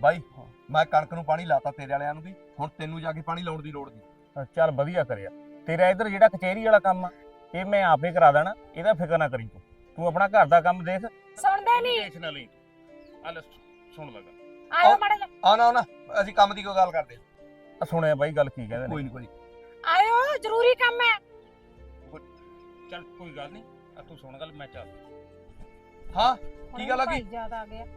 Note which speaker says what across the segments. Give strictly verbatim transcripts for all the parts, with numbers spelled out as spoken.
Speaker 1: ਬਾਈ ਮੈਂ ਕਣਕ ਨੂੰ ਪਾਣੀ ਲਾਤਾ ਤੇਰੇ ਵਾਲਿਆਂ ਨੂੰ ਵੀ, ਹੁਣ ਤੈਨੂੰ ਜਾ ਕੇ ਪਾਣੀ ਲਾਉਣ ਦੀ ਲੋੜ ਨਹੀਂ।
Speaker 2: ਚੱਲ ਵਧੀਆ ਕਰਿਆ। ਤੇਰਾ ਇੱਧਰ ਜਿਹੜਾ ਕਚਹਿਰੀ ਵਾਲਾ ਕੰਮ ਆ ਇਹ ਮੈਂ ਆਪੇ ਕਰਾ ਦੇਣਾ, ਇਹਦਾ ਫਿਕਰ ਨਾ ਕਰੀ ਤੂੰ ਤੂੰ ਆਪਣਾ ਘਰ ਦਾ ਕੰਮ ਦੇਖ।
Speaker 3: ਸੁਣਦੇ ਨਹੀਂ
Speaker 2: ਟੈਨਸ਼ਨ ਨਾ ਲਈ, ਆ ਲੈ ਸੁਣ ਲਗਾ।
Speaker 3: ਆਇਓ ਮਾੜਾ ਜਿਹਾ
Speaker 1: ਆਉਣਾ ਆਉਣਾ ਅਸੀਂ ਕੰਮ ਦੀ ਕੋਈ ਗੱਲ ਕਰਦੇ
Speaker 2: ਆ ਸੁਣਿਆ ਬਾਈ ਗੱਲ ਕੀ ਕਹਿੰਦੇ
Speaker 1: ਕੋਈ
Speaker 2: ਨੇ?
Speaker 1: ਨਹੀਂ ਕੋਈ
Speaker 3: ਆਇਓ ਜ਼ਰੂਰੀ ਕੰਮ ਹੈ।
Speaker 2: ਚੱਲ ਕੋਈ ਗੱਲ ਨਹੀਂ, ਆ ਤੂੰ ਸੁਣ ਗੱਲ, ਮੈਂ ਚੱਲ।
Speaker 1: ਹਾਂ ਕੀ ਗੱਲ ਆ ਗਈ?
Speaker 3: ਯਾਦ ਆ ਗਿਆ।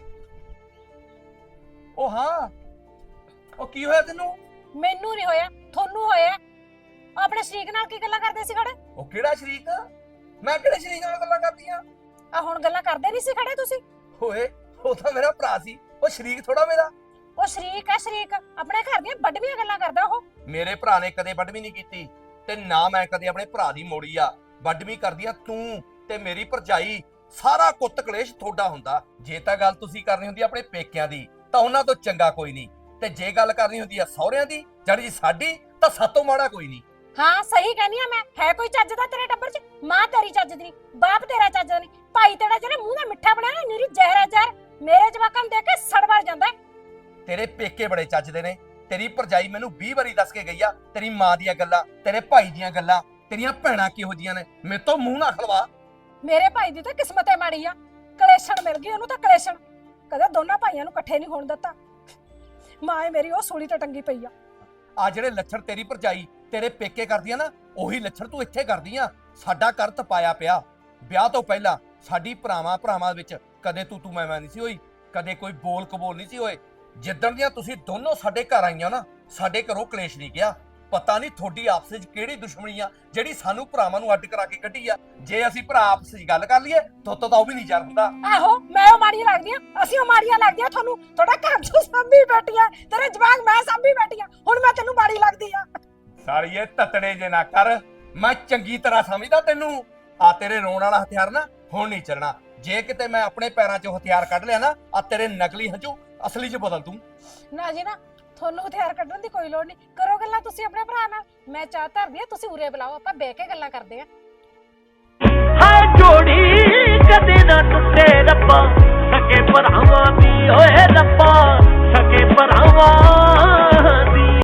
Speaker 1: ਉਹ ਹਾਂ ਉਹ ਕੀ ਹੋਇਆ ਤੈਨੂੰ?
Speaker 3: ਮੈਨੂੰ ਨਹੀਂ ਹੋਇਆ, ਤੁਹਾਨੂੰ ਹੋਇਆ। ਆਪਣੇ ਸ਼ਰੀਕ ਨਾਲ ਕੀ ਗੱਲਾਂ ਕਰਦੇ ਸੀ ਖੜੇ?
Speaker 1: ਉਹ ਕਿਹੜਾ ਸ਼ਰੀਕ? ਮੈਂ ਕਿਹੜੇ ਸ਼ਰੀਕ ਨਾਲ ਗੱਲਾਂ ਕਰਦੀਆਂ?
Speaker 3: ਆ ਹੁਣ ਗੱਲਾਂ ਕਰਦੇ ਨਹੀਂ ਸੀ ਖੜੇ ਤੁਸੀਂ?
Speaker 1: ਓਏ ਉਹ ਤਾਂ ਮੇਰਾ ਭਰਾ ਸੀ, ਉਹ ਸ਼ਰੀਕ ਥੋੜਾ ਮੇਰਾ।
Speaker 3: ਉਹ ਸ਼ਰੀਕ ਹੈ ਸ਼ਰੀਕ, ਆਪਣੇ ਘਰ ਦੀਆਂ ਵੱਡਵੀਆਂ ਗੱਲਾਂ ਕਰਦਾ ਉਹ।
Speaker 1: ਮੇਰੇ ਭਰਾ ਨੇ ਕਦੇ ਵੱਡਵੀਂ ਨਹੀਂ ਕੀਤੀ ਤੇ ਨਾ ਮੈਂ ਕਦੇ ਆਪਣੇ ਭਰਾ ਦੀ ਮੋੜੀ ਆ। ਵੱਡਵੀਂ ਕਰਦੀਆਂ ਤੂੰ ਤੇ ਮੇਰੀ ਭਰਜਾਈ। ਸਾਰਾ ਕੁੱਤ ਕਲੇਸ਼ ਤੁਹਾਡਾ ਹੁੰਦਾ। ਜੇ ਤਾਂ ਗੱਲ ਤੁਸੀਂ ਕਰਨੀ ਹੁੰਦੀ ਆਪਣੇ ਪੇਕਿਆਂ ਦੀ ਤਾਂ ਉਹਨਾਂ ਤੋਂ ਚੰਗਾ ਕੋਈ ਨਹੀਂ, ਤੇ ਜੇ ਗੱਲ ਕਰਨੀ ਹੁੰਦੀ ਆ ਸਹੁਰਿਆਂ ਦੀ ਜਿਹੜੀ ਸਾਡੀ ਤਾਂ ਸਾਤੋਂ ਮਾੜਾ ਕੋਈ ਨਹੀਂ।
Speaker 3: ਹਾਂ ਸਹੀ ਕਹਿੰਦੀ ਆ ਮੈਂ। ਹੈ ਕੋਈ ਚੱਜ ਦਾ ਤੇਰੇ ਟੱਬਰ 'ਚ? ਮਾਂ ਤੇਰੀ ਚੱਜ ਦੀ ਨਹੀਂ, ਬਾਪ ਤੇਰਾ ਚੱਜ ਦਾ ਨਹੀਂ, ਭਾਈ ਤੇਰਾ ਜਿਹੜੇ ਮੂੰਹ ਦਾ ਮਿੱਠਾ ਬਣਿਆ ਨਾ ਨੀਰੀ ਜ਼ਹਿਰ ਹੈ ਜ਼ਹਿਰ। ਮੇਰੇ ਜਵਾਕਾਂ ਨੂੰ ਦੇਖ ਕੇ ਸੜਵੜ ਜਾਂਦਾ।
Speaker 1: ਤੇਰੇ ਪੇਕੇ ਬੜੇ ਚੱਜਦੇ ਨੇ। ਤੇਰੀ ਭਰਜਾਈ ਮੈਨੂੰ ਵੀਹ ਵਾਰੀ ਦੱਸ ਕੇ ਗਈ ਆ ਤੇਰੀ ਮਾਂ ਦੀਆਂ ਗੱਲਾਂ, ਤੇਰੇ ਭਾਈ ਦੀਆਂ ਗੱਲਾਂ, ਤੇਰੀਆਂ ਭੈਣਾਂ ਕਿਹੋ ਜੀਆਂ ਨੇ। ਮੇਰੇ ਤੋਂ ਮੂੰਹ ਨਾ ਖਲਵਾ।
Speaker 3: ਮੇਰੇ ਭਾਈ ਦੀ ਤਾਂ ਕਿਸਮਤੇ ਮਾੜੀ ਆ, ਕਲੇਸ਼ਣ ਮਿਲ ਗਈ ਉਹਨੂੰ ਤਾਂ ਕਲੇਸ਼ਣ। ਕਦੇ ਦੋਨਾਂ ਭਾਈਆਂ ਨੂੰ ਇਕੱਠੇ ਨਹੀਂ ਹੋਣ ਦਿੱਤਾ। ਮਾਂ ਮੇਰੀ ਉਹ ਸੂਲੀ ਤੇ ਟੰਗੀ ਪਈ ਆ।
Speaker 1: ਆ ਜਿਹੜੇ ਲੱਛਣ ਤੇਰੀ ਭਰਜਾਈ ਤੇਰੇ ਪੇਕੇ ਕਰਦੀਆਂ ਨਾ, ਉਹੀ ਲੱਛਣ ਤੂੰ ਇੱਥੇ ਕਰਦੀਆਂ। ਸਾਡਾ ਘਰ ਤਪਾਇਆ ਪਿਆ। ਵਿਆਹ ਤੋਂ ਪਹਿਲਾਂ ਸਾਡੀ ਭਰਾਵਾਂ ਭਰਾਵਾਂ ਵਿੱਚ ਕਦੇ ਤੂੰ ਤੂੰ ਮੈਂ ਮੈਂ ਨਹੀਂ ਸੀ ਹੋਈ, ਕਦੇ ਕੋਈ ਬੋਲ ਕਬੋਲ ਨਹੀਂ ਸੀ ਹੋਏ। ਜਿੱਦਣ ਦੀਆਂ ਤੁਸੀਂ ਦੋਨੋਂ ਸਾਡੇ ਘਰ ਆਈਆਂ ਨਾ, ਸਾਡੇ ਘਰੋਂ ਕਲੇਸ਼ ਨਹੀਂ ਗਿਆ। ਪਤਾ ਨਹੀਂ ਤੁਹਾਡੀ ਆਪਸ ਵਿੱਚ ਕਿਹੜੀ ਦੁਸ਼ਮਣੀ ਆ ਜਿਹੜੀ ਸਾਨੂੰ ਭਰਾਵਾਂ ਨੂੰ ਅੱਡ ਕਰਾ ਕੇ ਕੱਢੀ ਆ। ਜੇ ਅਸੀਂ ਭਰਾ ਆਪਸ ਵਿੱਚ ਗੱਲ ਕਰ ਲਈਏ ਤੋਤੋਂ ਤਾਂ ਉਹ ਵੀ ਨਹੀਂ ਯਾਰ ਹੁੰਦਾ।
Speaker 3: ਆਹੋ ਮੈਂ ਉਹ ਮਾੜੀਆਂ ਲੱਗਦੀਆਂ, ਅਸੀਂ ਉਹ ਮਾੜੀਆਂ ਲੱਗਦੀਆਂ ਤੁਹਾਨੂੰ। ਤੁਹਾਡਾ ਘਰ ਚੋਂ ਸਾਂਭੀ ਬੈਠੀਆਂ, ਤੇਰੇ ਜਵਾਕ ਮੈਂ ਸਾਂਭੀ ਬੈਠੀਆਂ, ਹੁਣ ਮੈਂ ਤੈਨੂੰ ਮਾੜੀ ਲੱਗਦੀ ਆ।
Speaker 1: ਸਾਲੀਏ ਤਤੜੇ ਜੇ ਨਾ ਕਰ, ਮੈਂ ਚੰਗੀ ਤਰ੍ਹਾਂ ਸਮਝਦਾ ਤੈਨੂੰ। ਆ ਤੇਰੇ ਰੋਣ ਵਾਲਾ ਹਥਿਆਰ ਨਾ ਹੁਣ ਨਹੀਂ ਚੱਲਣਾ। ਜੇ ਕਿਤੇ ਮੈਂ ਆਪਣੇ ਪੈਰਾਂ 'ਚੋਂ ਹਥਿਆਰ ਕੱਢ ਲਿਆ ਨਾ, ਆ ਤੇਰੇ ਨਕਲੀ ਹੰਝੂ ਅਸਲੀ 'ਚ ਬਦਲ ਦੂੰ।
Speaker 3: ਨਾ ਜੀ ਨਾ, ਤੁਹਾਨੂੰ ਹਥਿਆਰ ਕੱਢਣ ਦੀ ਕੋਈ ਲੋੜ ਨਹੀਂ। ਕਰੋ ਗੱਲਾਂ ਤੁਸੀਂ ਆਪਣੇ ਭਰਾ ਨਾਲ। ਮੈਂ ਚਾਹ ਧਰਦੀ ਆ, ਤੁਸੀਂ ਉਰੇ ਬੁਲਾਓ, ਆਪਾਂ ਬਹਿ ਕੇ ਗੱਲਾਂ ਕਰਦੇ ਆ।
Speaker 4: ਹਾਏ ਜੋੜੀ ਕਦੇ ਨਾ ਟੁੱਟੇ ਰੱਬਾ, ਸਕੇ ਭਰਾਵਾਂ ਦੀ ਓਏ ਰੱਬਾ, ਸਕੇ ਭਰਾਵਾਂ